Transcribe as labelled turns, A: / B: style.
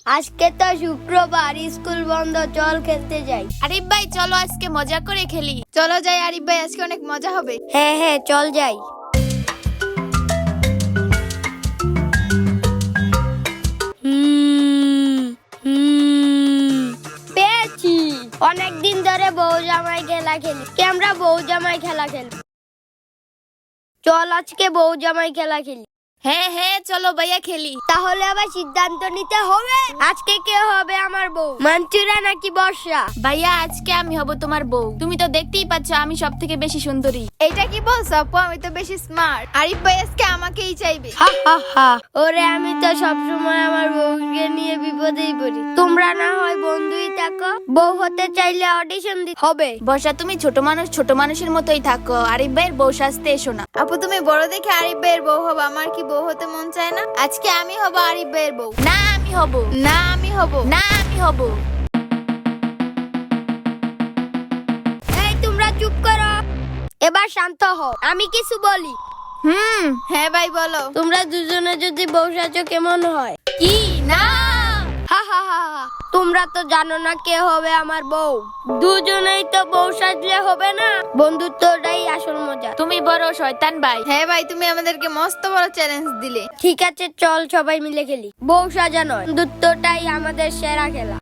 A: আজকে তো শুক্রবার, স্কুল বন্ধ, চল খেলতে যাই।
B: আরিফ ভাই চলো আজকে মজা করে খেলি। চলো যাই আরিফ ভাই, আজকে অনেক মজা হবে।
A: হ্যাঁ হ্যাঁ, চল যাই। পেয়েছি। অনেকদিন ধরে বউ জামাই খেলা খেলি, আমরা বউ জামাই খেলা খেলি। চল আজকে বউ জামাই খেলা খেলি।
B: হ্যাঁ হ্যাঁ চলো ভাইয়া খেলি।
A: তাহলে আবার সিদ্ধান্ত নিতে হবে, আজকে কে হবে আমার বউ, মঞ্চুরা নাকি বর্ষা?
B: ভাইয়া আজকে আমি হব তোমার বউ। তুমি তো দেখতেই পাচ্ছ আমি সব থেকে বেশি সুন্দরী।
C: এটা কি বলছো আপু? আমি তো বেশি স্মার্ট। আরিফ ভাই আজকে আমাকেই চাইবে।
A: হা হা হা। ওরে, আমি তো সবসময় আমার বউকে নিয়ে বিপদেই পড়ি। তোমরা না হয় বন্ধুই থাকো, বউ হতে চাইলে অডিশন দিতে হবে।
B: বর্ষা তুমি ছোট মানুষ, ছোট মানুষের মতোই থাকো। আরিফ ভাইয়ের বউ সাজতে এসো না।
C: আপু তুমি বড় দেখে আরিফ ভাইয়ের বউ হবো, আমার কি বউ হতে মন চায় না? আজকে আমি হব আরিফ ভাইয়ের বউ।
B: না আমি হব।
C: না আমি হব।
B: না আমি হব।
A: এই তোমরা চুপ করো, এবার শান্ত হও, আমি কিছু বলি।
C: হ্যাঁ ভাই বলো।
A: তোমরা দুজনে যদি বউ সাজো কেমন হয়?
B: কি না?
A: হা হা হা হা। তোমরা তো জানো না কে হবে আমার বউ। দুজনেই তো বউ সাজলে হবে না, বন্ধুত্বটাই আসল মজা।
B: তুমি বড় শয়তান ভাই।
C: হ্যাঁ ভাই, তুমি আমাদেরকে মস্ত বড় চ্যালেঞ্জ দিলে।
A: ঠিক আছে, চল সবাই মিলে খেলি। বউ সাজানো বন্ধুত্বটাই আমাদের সেরা খেলা।